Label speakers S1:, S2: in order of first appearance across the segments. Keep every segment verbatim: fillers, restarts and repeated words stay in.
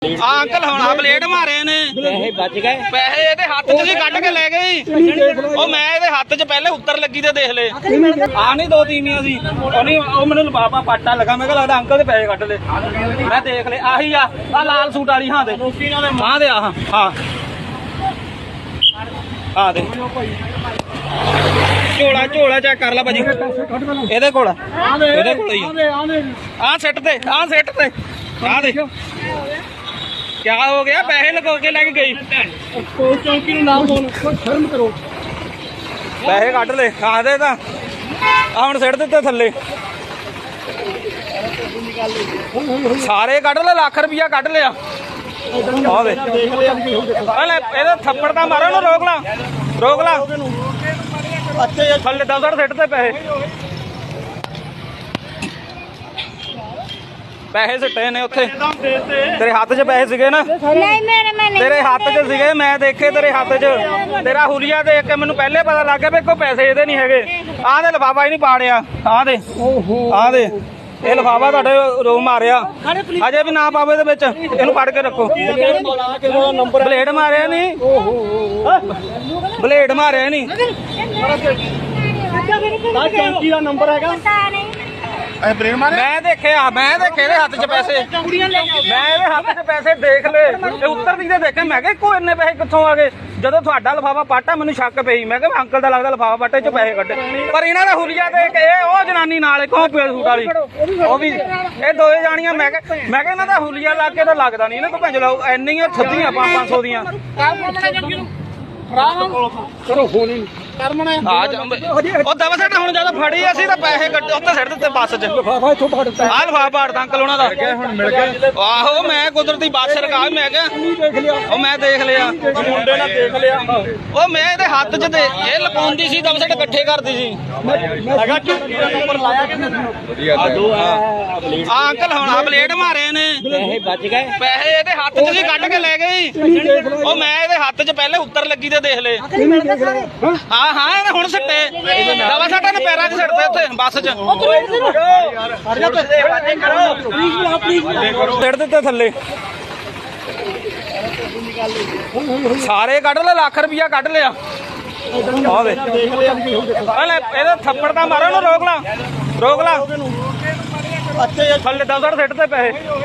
S1: ਆ ਅੰਕਲ ਹੁਣ ਆ ਬਲੇਡ ਮਾਰੇ ਨੇ
S2: ਪੈਸੇ ਬਚ ਗਏ।
S1: ਪੈਸੇ ਇਹਦੇ ਹੱਥ 'ਚ ਸੀ ਕੱਢ ਕੇ ਲੈ ਗਈ। ਉਹ ਮੈਂ ਇਹਦੇ ਹੱਥ 'ਚ ਪਹਿਲੇ ਉੱਤਰ ਲੱਗੀ ਤੇ ਦੇਖ ਲੈ ਆ ਨਹੀਂ ਦੋ ਤੀਵੀਆਂ ਸੀ ਉਹ ਨਹੀਂ ਉਹ ਮੈਨੂੰ ਲਫਾਫਾ ਪਾਟਾ ਲੱਗਾ ਮੈਂ ਕਿਹਾ ਲੱਗਦਾ ਅੰਕਲ ਦੇ ਪੈਸੇ ਕੱਢ ਲੈ ਮੈਂ ਦੇਖ ਲੈ ਆਹੀ ਆ ਆ ਲਾਲ ਸੂਟ ਵਾਲੀ ਹਾਂ ਦੇ ਹਾਂ ਦੇ ਆ ਹਾਂ ਆ ਦੇ ਝੋਲਾ ਝੋਲਾ ਚੈੱਕ ਕਰ ਲੈ ਭਾਜੀ ਇਹਦੇ ਕੋਲ ਇਹਦੇ ਕੋਲ ਹੀ ਆ ਸਿੱਟ ਤੇ ਆ ਸਿੱਟ ਤੇ ਆ ਦੇ क्या हो गया पैसे लगा के लेके गई
S3: चौकी नाम बोल शर्म करो
S1: पैसे कट ले खा दे ता ਹੁਣ ਸਿੱਟ ਦਿੱਤੇ ਥੱਲੇ ਸਾਰੇ ਕੱਢ ਲੈ ਲੱਖ ਰੁਪਇਆ ਕੱਢ ਲਿਆ ਆ ਦੇ ਇਹਦਾ ਥੱਪੜ ਤਾਂ ਮਾਰੋ ਨੂੰ ਰੋਕ ਲਾ ਰੋਕ ਲਾ ਅੱਛੇ ਥੱਲੇ ਦਸ ਸਿੱਟ ਤੇ ਪੈਸੇ ਪੈਸੇ ਸਿੱਟੇ ਨੇ ਉੱਥੇ ਤੇਰੇ ਹੱਥ 'ਚ ਪੈਸੇ ਸੀਗੇ ਨਾ
S4: ਨਹੀਂ ਮੇਰੇ ਮੈਂ ਨਹੀਂ
S1: ਤੇਰੇ ਹੱਥ 'ਚ ਸੀਗੇ ਮੈਂ ਦੇਖੇ ਤੇਰੇ ਹੱਥ 'ਚ ਤੇਰਾ ਹੁਲੀਆ ਦੇਖ ਕੇ ਮੈਨੂੰ ਪਹਿਲੇ ਪਤਾ ਲੱਗ ਗਿਆ ਵੀ ਕੋਈ ਪੈਸੇ ਇਹਦੇ ਨਹੀਂ ਹੈਗੇ ਆਹ ਦੇ ਲਿਫਾਫਾ ਹੀ ਨਹੀਂ ਪਾੜਿਆ ਆਹ ਦੇ ਆਹ ਦੇ ਇਹ ਲਿਫਾਫਾ ਤੁਹਾਡੇ ਰੋ ਮਾਰਿਆ ਅਜੇ ਵੀ ਨਾ ਪਾਵੇ ਦੇ ਵਿੱਚ ਇਹਨੂੰ ਫੜ ਕੇ ਰੱਖੋ ਬਲੇਡ ਮਾਰਿਆ ਨਹੀਂ ਬਲੇਡ ਮਾਰਿਆ ਨਹੀਂ
S3: चौकी का नंबर है
S1: ਮੈਂ ਦੇਖਿਆ ਮੈਂ ਦੇਖੇ ਇਹਦੇ ਹੱਥ 'ਚ ਪੈਸੇ ਮੈਂ ਇਹਦੇ ਹੱਥ 'ਚ ਪੈਸੇ ਦੇਖ ਲਏ ਇਹ ਉੱਤਰ ਦੀ ਦੇ ਦੇਖੇ ਮੈਂ ਕਿਹਾ ਕੋਈ ਇੰਨੇ ਪੈਸੇ ਕਿੱਥੋਂ ਆ ਗਏ ਜਦੋਂ ਤੁਹਾਡਾ ਲਿਫਾਫਾ ਪਾਟਾ ਮੈਨੂੰ ਸ਼ੱਕ ਪਈ ਮੈਂ ਕਿਹਾ ਅੰਕਲ ਦਾ ਲੱਗਦਾ ਲਿਫਾਫਾ ਪਾਟੇ 'ਚ ਪੈਸੇ ਕੱਢੇ ਪਰ ਇਹਨਾਂ ਦਾ ਹੁਲੀਆ ਦੇਖ ਇਹ ਉਹ ਜਨਾਨੀ ਨਾਲ ਕੌਣ ਪੇੜ ਸੂਟ ਵਾਲੀ ਉਹ ਵੀ ਇਹ ਦੋਏ ਜਾਣੀਆਂ ਮੈਂ ਕਿਹਾ ਮੈਂ ਕਿਹਾ ਇਹਨਾਂ ਦਾ ਹੁਲੀਆ ਲਾ ਕੇ ਤਾਂ ਲੱਗਦਾ ਨਹੀਂ ਇਹਨਾਂ ਤੋਂ ਭੰਜ ਲਾਓ ਇੰਨੀਆਂ ਛੱਡੀਆਂ ਪੰਜ ਸੌ ਦੀਆਂ
S3: करो फोन करमने
S1: ਆ ਜਾ ਉਹ ਦਵਾ ਸੱਟ ਹੁਣ ਜਦੋਂ ਫੜੀ ਅਸੀਂ ਤਾਂ ਪੈਸੇ ਕੱਢੇ ਉੱਤੇ ਸਿੱਟ ਦਿੱਤੇ ਬੱਸ 'ਚ
S3: लिफाफा इथों फाड़ता
S1: ਆਹ ਲਿਫਾਫਾ ਪਾੜਦਾ ਅੰਕਲ ਉਹਨਾਂ ਦਾ
S3: ਹੁਣ ਮਿਲ ਗਿਆ
S1: ਆਹੋ ਮੈਂ ਕੁਦਰਤੀ ਬੱਸ ਰਕਾ ਮੈਂ ਕਿਹਾ
S3: देख लिया
S1: ਉਹ ਮੈਂ ਦੇਖ ਲਿਆ
S3: मुंडे ने देख लिया
S1: ਉਹ ਮੈਂ ਇਹਦੇ ਹੱਥ 'ਚ ਤੇ ਇਹ ਲਪਾਉਂਦੀ ਸੀ ਦਵਾ ਸੱਟ ਇਕੱਠੇ ਕਰਦੀ ਸੀ
S3: लगा चौकी का नंबर लाया किसने
S1: ਆ ਅੰਕਲ ਹੁਣ ਆ ਬਲੇਡ ਮਾਰੇ ਨੇ
S2: ਪੈਸੇ ਬਚ ਗਏ।
S1: ਪੈਸੇ ਇਹਦੇ ਹੱਥ 'ਚ ਸੀ ਕੱਢ ਕੇ ਲੈ ਗਈ ਉਹ ਮੈਂ ਇਹਦੇ ਹੱਥ 'ਚ ਪਹਿਲੇ ਉੱਤਰ ਲੱਗੀ ਤੇ ਦੇਖ ਲੈ ਹਾਂ ਹਾਂ ਇਹਨੇ ਹੁਣ ਸਿੱਟੇ ਦਵਾ ਸੱਟਾਂ ਨੇ ਪੈਰਾਂ 'ਚ ਸਿੱਟਦੇ ਉੱਥੇ ਬੱਸ 'ਚ ਸਿੱਟ ਦਿੱਤੇ ਥੱਲੇ ਸਾਰੇ ਕੱਢ ਲੈ ਲੱਖ ਰੁਪਇਆ ਕੱਢ ਲਿਆ ਆ ਦੇ ਇਹਦਾ ਥੱਪੜ ਤਾਂ ਮਾਰੋ ਨੂੰ ਰੋਕ ਲਾ ਰੋਕ ਲਾ ਅੱਛੇ ਥੱਲੇ ਦਸ ਸਿੱਟ ਤੇ ਪੈਸੇ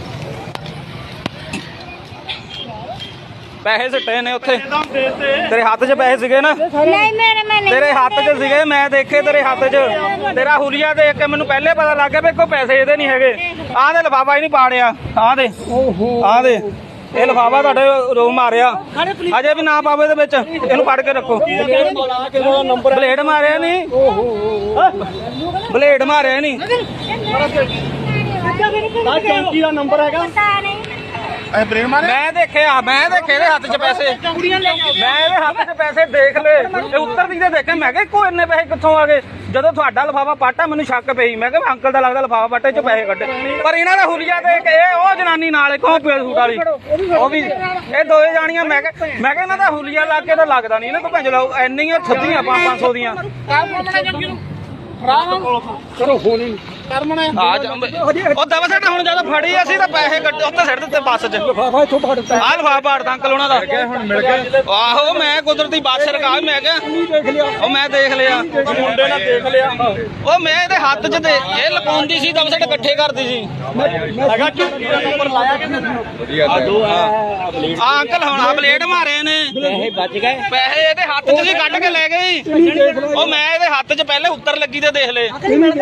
S1: ਪੈਸੇ ਸਿੱਟੇ ਨੇ ਉੱਥੇ ਤੇਰੇ ਹੱਥ 'ਚ ਪੈਸੇ ਸੀਗੇ ਨਾ
S4: ਨਹੀਂ ਮੇਰੇ ਮੈਂ ਨਹੀਂ
S1: ਤੇਰੇ ਹੱਥ 'ਚ ਸੀਗੇ ਮੈਂ ਦੇਖੇ ਤੇਰੇ ਹੱਥ 'ਚ ਤੇਰਾ ਹੁਲੀਆ ਦੇਖ ਕੇ ਮੈਨੂੰ ਪਹਿਲੇ ਪਤਾ ਲੱਗ ਗਿਆ ਵੀ ਕੋਈ ਪੈਸੇ ਇਹਦੇ ਨਹੀਂ ਹੈਗੇ ਆਹ ਦੇ ਲਿਫਾਫਾ ਹੀ ਨਹੀਂ ਪਾੜਿਆ ਆਹ ਦੇ ਆਹ ਦੇ ਇਹ ਲਿਫਾਫਾ ਤੁਹਾਡੇ ਰੋ ਮਾਰਿਆ ਅਜੇ ਵੀ ਨਾ ਪਾਵੇ ਦੇ ਵਿੱਚ ਇਹਨੂੰ ਫੜ ਕੇ ਰੱਖੋ ਬਲੇਡ ਮਾਰਿਆ ਨਹੀਂ ਬਲੇਡ ਮਾਰਿਆ ਨਹੀਂ
S3: चौकी का नंबर है
S1: ਮੈਂ ਦੇਖਿਆ ਮੈਂ ਦੇਖੇ ਇਹਦੇ ਹੱਥ 'ਚ ਪੈਸੇ ਮੈਂ ਇਹਦੇ ਹੱਥ 'ਚ ਪੈਸੇ ਦੇਖ ਲਏ ਇਹ ਉੱਤਰ ਦੀ ਦੇ ਦੇਖੇ ਮੈਂ ਕਿਹਾ ਕੋਈ ਇੰਨੇ ਪੈਸੇ ਕਿੱਥੋਂ ਆ ਗਏ ਜਦੋਂ ਤੁਹਾਡਾ ਲਿਫਾਫਾ ਪਾਟਾ ਮੈਨੂੰ ਸ਼ੱਕ ਪਈ ਮੈਂ ਕਿਹਾ ਅੰਕਲ ਦਾ ਲੱਗਦਾ ਲਿਫਾਫਾ ਪਾਟੇ 'ਚ ਪੈਸੇ ਕੱਢੇ ਪਰ ਇਹਨਾਂ ਦਾ ਹੁਲੀਆ ਦੇਖ ਇਹ ਉਹ ਜਨਾਨੀ ਨਾਲ ਕੌਣ ਪੇੜ ਸੂਟ ਵਾਲੀ ਉਹ ਵੀ ਇਹ ਦੋਏ ਜਾਣੀਆਂ ਮੈਂ ਕਿਹਾ ਮੈਂ ਕਿਹਾ ਇਹਨਾਂ ਦਾ ਹੁਲੀਆ ਲਾ ਕੇ ਤਾਂ ਲੱਗਦਾ ਨਹੀਂ ਇਹਨਾਂ ਤੋਂ ਭੰਜ ਲਾਓ ਇੰਨੀਆਂ ਛੱਡੀਆਂ ਪੰਜ ਸੌ ਦੀਆਂ
S3: करो फोन करमने
S1: ਆ ਜਾ ਉਹ ਦਵਾ ਸੱਟ ਹੁਣ ਜਦੋਂ ਫੜੀ ਅਸੀਂ ਤਾਂ ਪੈਸੇ ਕੱਢੇ ਉੱਤੇ ਸਿੱਟ ਦਿੱਤੇ ਬੱਸ 'ਚ
S3: लिफाफा इथों फाड़ता
S1: ਆਹ ਲਿਫਾਫਾ ਪਾੜਦਾ ਅੰਕਲ ਉਹਨਾਂ ਦਾ
S3: ਹੁਣ ਮਿਲ ਗਿਆ
S1: ਆਹੋ ਮੈਂ ਕੁਦਰਤੀ ਬੱਸ ਰਕਾ ਮੈਂ ਕਿਹਾ
S3: देख लिया
S1: ਉਹ ਮੈਂ ਦੇਖ ਲਿਆ
S3: मुंडे ने देख लिया
S1: ਉਹ ਮੈਂ ਇਹਦੇ ਹੱਥ 'ਚ ਤੇ ਇਹ ਲਪਾਉਂਦੀ ਸੀ ਦਵਾ ਸੱਟ ਇਕੱਠੇ ਕਰਦੀ ਸੀ
S3: लगा चौकी का नंबर लाया किसने
S1: ਆ ਅੰਕਲ ਹੁਣ ਆ ਬਲੇਡ ਮਾਰੇ ਨੇ
S2: ਪੈਸੇ ਬਚ ਗਏ।
S1: ਪੈਸੇ ਇਹਦੇ ਹੱਥ 'ਚ ਸੀ ਕੱਢ ਕੇ ਲੈ ਗਈ ਉਹ ਮੈਂ ਇਹਦੇ ਹੱਥ 'ਚ ਪਹਿਲੇ ਉੱਤਰ ਲੱਗੀ ਤੇ ਦੇਖ ਲੈ